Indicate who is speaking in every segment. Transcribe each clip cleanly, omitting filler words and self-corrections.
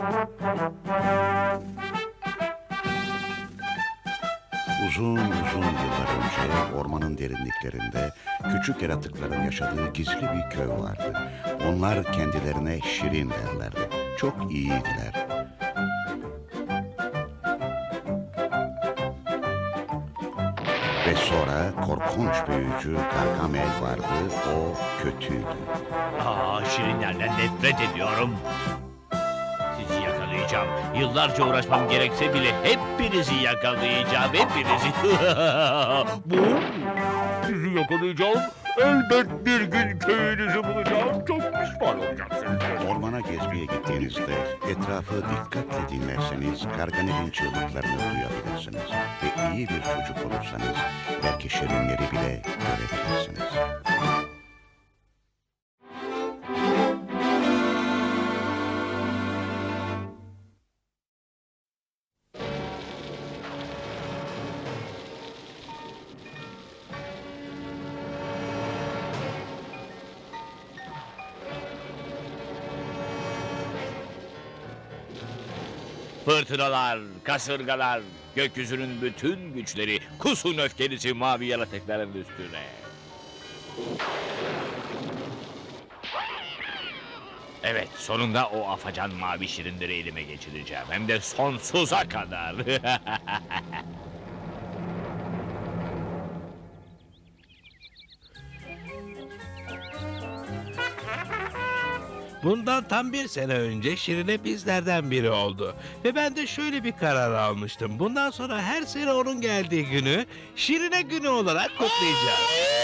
Speaker 1: Uzun uzun yıllar önce ormanın derinliklerinde küçük yaratıkların yaşadığı gizli bir köy vardı. Onlar kendilerine Şirin derlerdi. Çok iyiydiler. Ve sonra korkunç büyücü Gargamel vardı. O kötüydü.
Speaker 2: Şirinlerden nefret ediyorum. Sizi yakalayacağım. Yıllarca uğraşmam gerekse bile hepinizi yakalayacağım. Hepinizi. Bu? Sizi yakalayacağım. Elbet bir gün köyünüzü bulacağım. Çok pişman olacaksınız.
Speaker 1: Ormana gezmeye gittiğinizde etrafı dikkatle dinlerseniz Gargamel'in çığlıklarını duyabilirsiniz. Ve iyi bir çocuk olursanız belki şirinleri bile görebilirsiniz.
Speaker 2: Fırtınalar, kasırgalar, gökyüzünün bütün güçleri, kusun öfkenizi mavi yaratıkların üstüne. Evet, sonunda o afacan mavi şirinleri elime geçireceğim. Hem de sonsuza kadar.
Speaker 3: Bundan tam bir sene önce Şirine bizlerden biri oldu. Ve ben de şöyle bir karar almıştım. Bundan sonra her sene onun geldiği günü Şirine günü olarak kutlayacağız.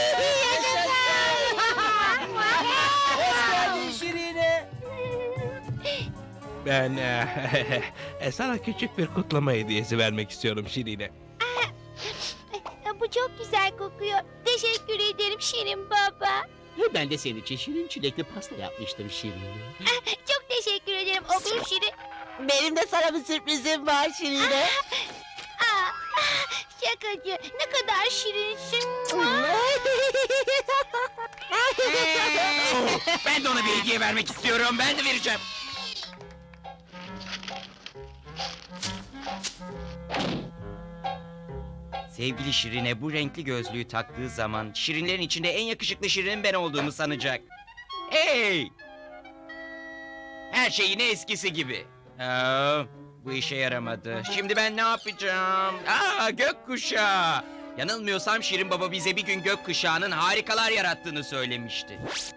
Speaker 3: Ben sana küçük bir kutlama hediyesi vermek istiyorum Şirine.
Speaker 4: Bu çok güzel kokuyor. Teşekkür ederim Şirin baba.
Speaker 5: Ben de senin için şirin çilekli pasta yapmıştım Şirin.
Speaker 4: Çok teşekkür ederim oğlum Şirin.
Speaker 6: Benim de sana bir sürprizim var Şirine.
Speaker 4: Şakacı, ne kadar şirinsin.
Speaker 5: Ben de ona bir hediye vermek istiyorum. Ben de vereceğim. Sevgili Şirine bu renkli gözlüğü taktığı zaman Şirinlerin içinde en yakışıklı Şirin ben olduğumu sanacak. Hey! Her şey yine eskisi gibi. Bu işe yaramadı. Şimdi ben ne yapacağım? Gökkuşağı! Yanılmıyorsam Şirin Baba bize bir gün gökkuşağının harikalar yarattığını söylemişti.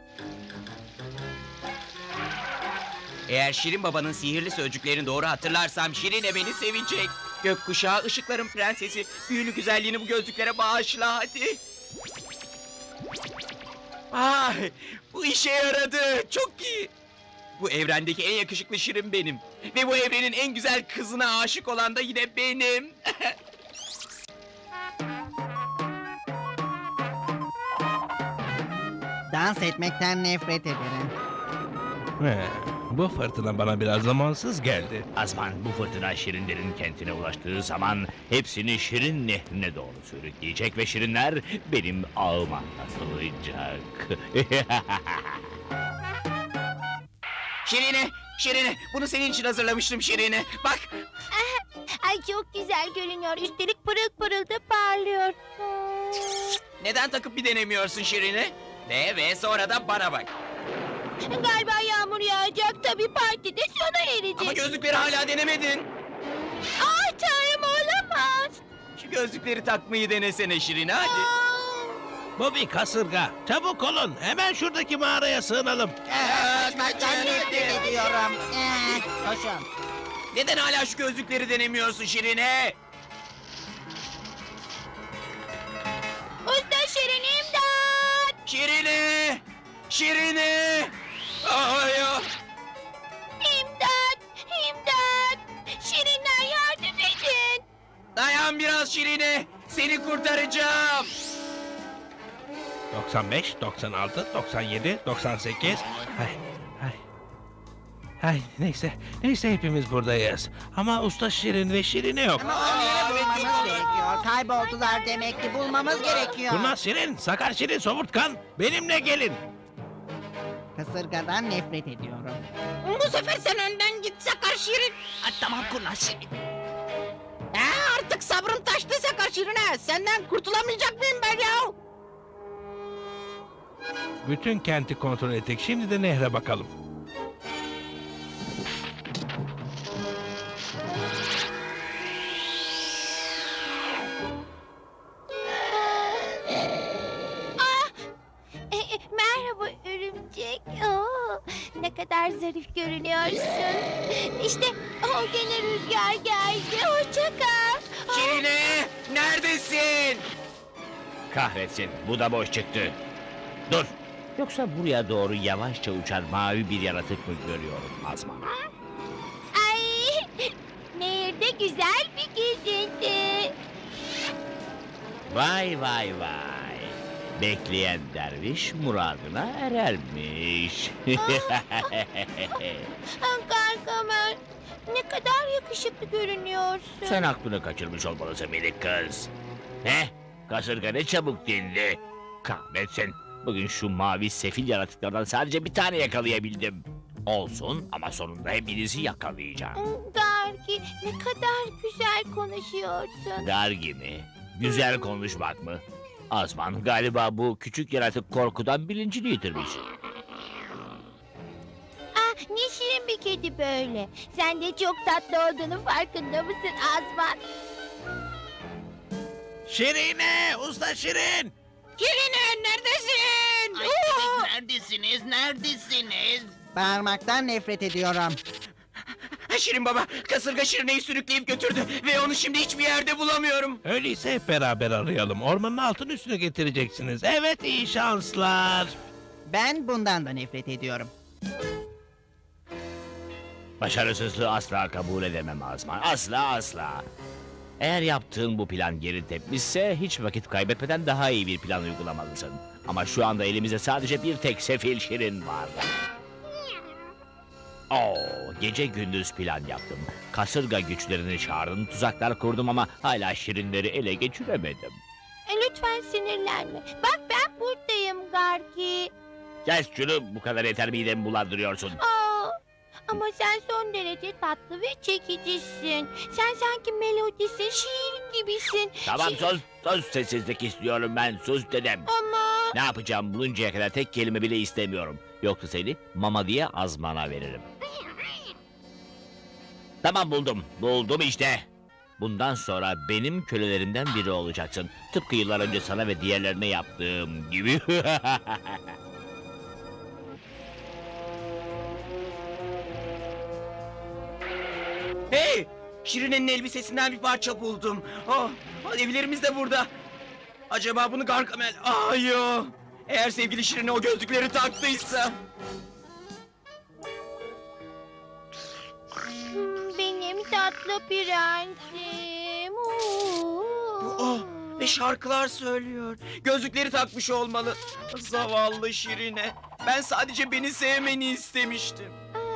Speaker 5: Eğer Şirin Baba'nın sihirli sözcüklerini doğru hatırlarsam Şirine beni sevecek. Gökkuşağı, ışıkların prensesi, büyülü güzelliğini bu gözlüklere bağışla hadi. Ay, bu işe yaradı. Çok iyi. Bu evrendeki en yakışıklı Şirin benim. Ve bu evrenin en güzel kızına aşık olan da yine benim.
Speaker 6: Dans etmekten nefret ederim.
Speaker 3: Bu fırtına bana biraz zamansız geldi.
Speaker 2: Azman bu fırtına şirinlerin kentine ulaştığı zaman hepsini Şirin nehrine doğru sürükleyecek ve şirinler benim ağıma katılacak.
Speaker 5: Şirine, Şirine, bunu senin için hazırlamıştım Şirine. Bak,
Speaker 4: Ay çok güzel görünüyor. Üstelik pırıl pırıl da parlıyor.
Speaker 5: neden takıp bir denemiyorsun Şirine? Ve sonra da bana bak.
Speaker 4: Galiba yağmur yağacak. Tabii partide sona erecek.
Speaker 5: Ama gözlükleri hala denemedin.
Speaker 4: Ah tanrım olamaz.
Speaker 5: Şu gözlükleri takmayı denesene Şirine hadi.
Speaker 3: Bu bir kasırga. Çabuk olun. Hemen şuradaki mağaraya sığınalım.
Speaker 6: Kaçmaktan nefret ediyorum. Koşun.
Speaker 5: Neden hala şu gözlükleri denemiyorsun Şirine?
Speaker 4: Usta Şirin imdat.
Speaker 5: Şirine! Şirine! Ay ya!
Speaker 4: İmdat. İmdat. Şirinler yardım edin.
Speaker 5: Dayan biraz Şirine! Seni kurtaracağım!
Speaker 3: 95, 96, 97, 98. Ay, neyse hepimiz buradayız. Ama Usta Şirin ve Şirine yok.
Speaker 6: Bulmamız gerekiyor. Kayboldular demek ki bulmamız gerekiyor.
Speaker 3: Kurnaz Şirin, Sakar Şirin, Somurtkan benimle gelin.
Speaker 6: Kasırgadan nefret ediyorum.
Speaker 7: Bu sefer sen önden git Sakar Şirin.
Speaker 6: Tamam kurnaz Şirin. Artık sabrım taştı Sakar Şirin'e. Senden kurtulamayacak mıyım ben ya?
Speaker 3: Bütün kenti kontrol ettik. Şimdi de nehre bakalım.
Speaker 4: Merhaba örümcek. Oo, ne kadar zarif görünüyorsun. İşte o gene rüzgar geldi. Hoşça kal.
Speaker 5: Şirine, neredesin?
Speaker 2: Kahretsin, bu da boş çıktı. Dur! Yoksa buraya doğru yavaşça uçan mavi bir yaratık mı görüyorum Azman?
Speaker 4: Ay, nehirde güzel bir gezinti.
Speaker 2: Vay vay vay! Bekleyen derviş muradına erermiş.
Speaker 4: Gargamel, ne kadar yakışıklı görünüyorsun.
Speaker 2: Sen aklını kaçırmış olmalısın minik kız. Ne? Kasırga ne çabuk dindi. Kahretsin. Bugün şu mavi sefil yaratıklardan sadece bir tane yakalayabildim. Olsun ama sonunda hepinizi yakalayacağım.
Speaker 4: Gargi, ne kadar güzel konuşuyorsun.
Speaker 2: Dergi mi? Güzel konuşmak mı? Azman galiba bu küçük yaratık korkudan bilincini yitirmiş.
Speaker 4: Ah, ne şirin bir kedi böyle. Sen de çok tatlı olduğunu farkında mısın Azman?
Speaker 3: Şirine! Usta Şirin!
Speaker 6: Şirine neredesin?
Speaker 7: Neredesiniz?
Speaker 6: Bağırmaktan nefret ediyorum.
Speaker 5: Şirin baba, kasırga Şirine'yi sürükleyip götürdü ve onu şimdi hiçbir yerde bulamıyorum.
Speaker 3: Öyleyse hep beraber arayalım. Ormanın altın üstüne getireceksiniz. Evet, iyi şanslar.
Speaker 6: Ben bundan da nefret ediyorum.
Speaker 2: Başarısızlığı asla kabul edemem Azman. Asla asla. Eğer yaptığın bu plan geri tepmişse hiç vakit kaybetmeden daha iyi bir plan uygulamalısın. Ama şu anda elimizde sadece bir tek sefil Şirin var. Oo, gece gündüz plan yaptım. Kasırga güçlerini çağırdım, tuzaklar kurdum ama hala Şirinleri ele geçiremedim.
Speaker 4: Lütfen sinirlenme. Bak ben buradayım Gargi.
Speaker 2: Kes şunu, bu kadar yeter midemi bulandırıyorsun.
Speaker 4: Aa, ama sen son derece tatlı ve çekicisin. Sen sanki melodisin, şiir gibisin.
Speaker 2: Tamam
Speaker 4: Şi-
Speaker 2: sus sessizlik istiyorum ben, sus dedim.
Speaker 4: Ama
Speaker 2: Ne yapacağım buluncaya kadar tek kelime bile istemiyorum. Yoksa seni mama diye Azman'a veririm. Tamam buldum işte. Bundan sonra benim kölelerimden biri olacaksın. Tıpkı yıllar önce sana ve diğerlerine yaptığım gibi.
Speaker 5: Hey! Şirine'nin elbisesinden bir parça buldum. Oh, evlerimiz de burada. Acaba bunu Gargamel... Yo! Eğer sevgili Şirine o gözlükleri taktıysa...
Speaker 4: benim tatlı prensim.
Speaker 5: Oh! Ve şarkılar söylüyor. Gözlükleri takmış olmalı. Zavallı Şirine. Ben sadece beni sevmeni istemiştim.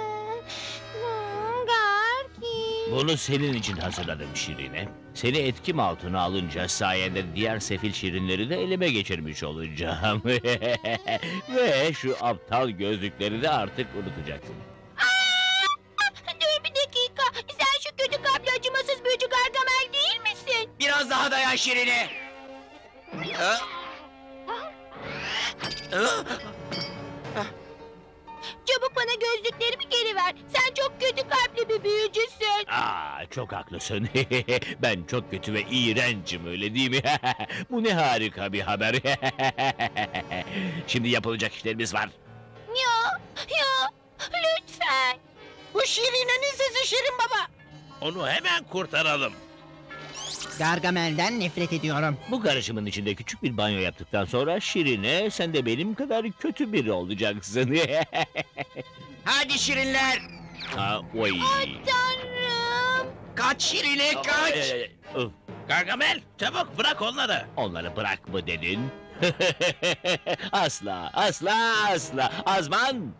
Speaker 4: Gargi.
Speaker 2: Bunu senin için hazırladım Şirine. Seni etkim altına alınca sayende diğer sefil Şirinleri de elime geçirmiş olacağım. Ve şu aptal gözlükleri de artık unutacaksın.
Speaker 4: Dur bir dakika. Sen şu kötü kalpli acımasız büyücü Gargamel değil misin?
Speaker 5: Biraz daha dayan Şirine. Ha? Ha?
Speaker 4: Çabuk bana gözlüklerimi geri ver. Sen çok kötü kalpli bir büyücüsün.
Speaker 2: Çok haklısın. Ben çok kötü ve iğrencim öyle değil mi? Bu ne harika bir haber. Şimdi yapılacak işlerimiz var.
Speaker 4: Ya lütfen.
Speaker 6: Bu Şirine'nin sesi Şirin baba.
Speaker 3: Onu hemen kurtaralım.
Speaker 6: Gargamel'den nefret ediyorum.
Speaker 2: Bu karışımın içinde küçük bir banyo yaptıktan sonra Şirine sen de benim kadar kötü biri olacaksın.
Speaker 5: Hadi Şirinler.
Speaker 2: Oy.
Speaker 4: Tanrım.
Speaker 5: Kaç Şirine kaç.
Speaker 2: Öf,
Speaker 3: Gargamel, çabuk bırak onları.
Speaker 2: onları bırak mı dedin? Asla. Azman.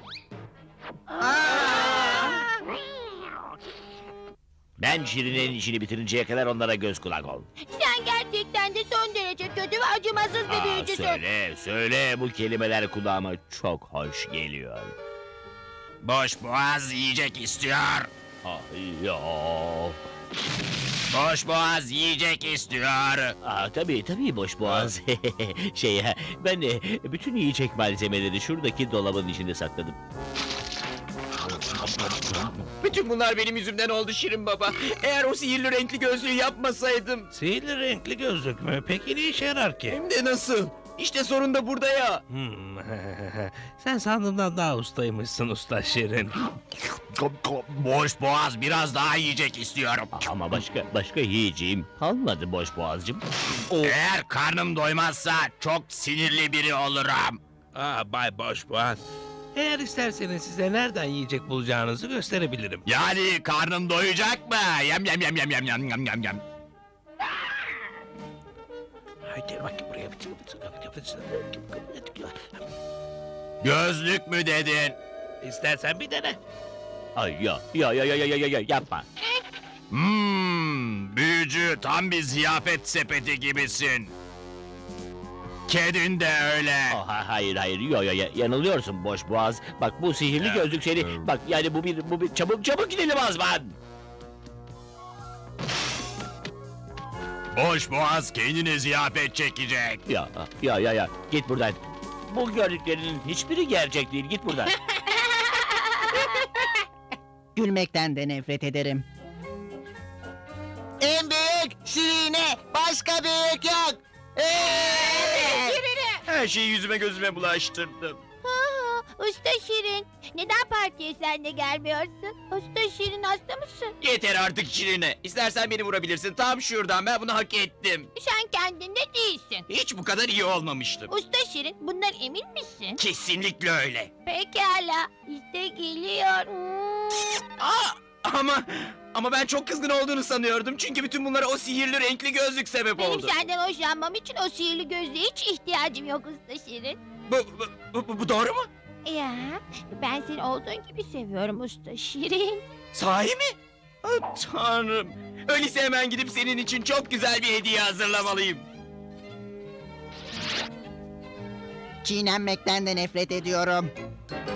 Speaker 2: Ben Şirine'nin işini bitirinceye kadar onlara göz kulak ol.
Speaker 4: Sen gerçekten de son derece kötü ve acımasız bir büyücüsün.
Speaker 2: Söyle bu kelimeler kulağıma çok hoş geliyor.
Speaker 7: Boş boğaz yiyecek istiyor.
Speaker 2: Ay ya.
Speaker 5: Boş boğaz yiyecek istiyor.
Speaker 2: Tabii boş boğaz. Ben bütün yiyecek malzemeleri şuradaki dolabın içinde sakladım.
Speaker 5: Bütün bunlar benim yüzümden oldu Şirin Baba. Eğer o sihirli renkli gözlüğü yapmasaydım.
Speaker 3: Sihirli renkli gözlük mü? Peki ne işe yarar ki?
Speaker 5: Hem de nasıl? İşte sorun da burada ya.
Speaker 3: Sen sandığımdan daha ustaymışsın usta Şirin.
Speaker 5: Boş boğaz biraz daha yiyecek istiyorum.
Speaker 2: Ama başka yiyeceğim kalmadı boş boğazcığım.
Speaker 5: Eğer karnım doymazsa çok sinirli biri olurum.
Speaker 3: Bay Boşboğaz. Eğer isterseniz size nereden yiyecek bulacağınızı gösterebilirim.
Speaker 5: Yani karnın doyacak mı? Yem yem yem yem yem yem yem yem yem.
Speaker 3: Haydi bak buraya.
Speaker 5: Gözlük mü dedin?
Speaker 3: İstersen bir dene.
Speaker 2: Ay ya yapma.
Speaker 5: Büyücü tam bir ziyafet sepeti gibisin. Kedin de öyle.
Speaker 2: Hayır yanılıyorsun boş boğaz. Bak bu sihirli gözlük seni. Bak yani bu bir çabuk gidelim Azman.
Speaker 5: Boş boğaz kendine ziyafet çekecek.
Speaker 2: Ya git buradan. Bu gördüklerinin hiçbiri gerçek değil. Git buradan.
Speaker 6: Gülmekten de nefret ederim. En büyük Şirine, başka büyük yok.
Speaker 5: Her şeyi yüzüme gözüme bulaştırdım.
Speaker 4: Usta Şirin, neden partiye sen de gelmiyorsun? Usta Şirin hasta mısın?
Speaker 5: Yeter artık Şirine. İstersen beni vurabilirsin. Tam şuradan, ben bunu hak ettim.
Speaker 4: Sen kendinde değilsin.
Speaker 5: Hiç bu kadar iyi olmamıştım.
Speaker 4: Usta Şirin, bundan emin misin?
Speaker 5: Kesinlikle öyle.
Speaker 4: Pekala, işte geliyor.
Speaker 5: Ama ben çok kızgın olduğunu sanıyordum. Çünkü bütün bunlara o sihirli renkli gözlük sebep
Speaker 4: Benim
Speaker 5: oldu.
Speaker 4: senden hoşlanmam için o sihirli gözlüğe hiç ihtiyacım yok Usta Şirin.
Speaker 5: Bu doğru mu?
Speaker 4: Ya, ben seni olduğun gibi seviyorum Usta Şirin.
Speaker 5: Sahi mi? Tanrım. Öyleyse hemen gidip senin için çok güzel bir hediye hazırlamalıyım.
Speaker 6: Çiğnenmekten de nefret ediyorum.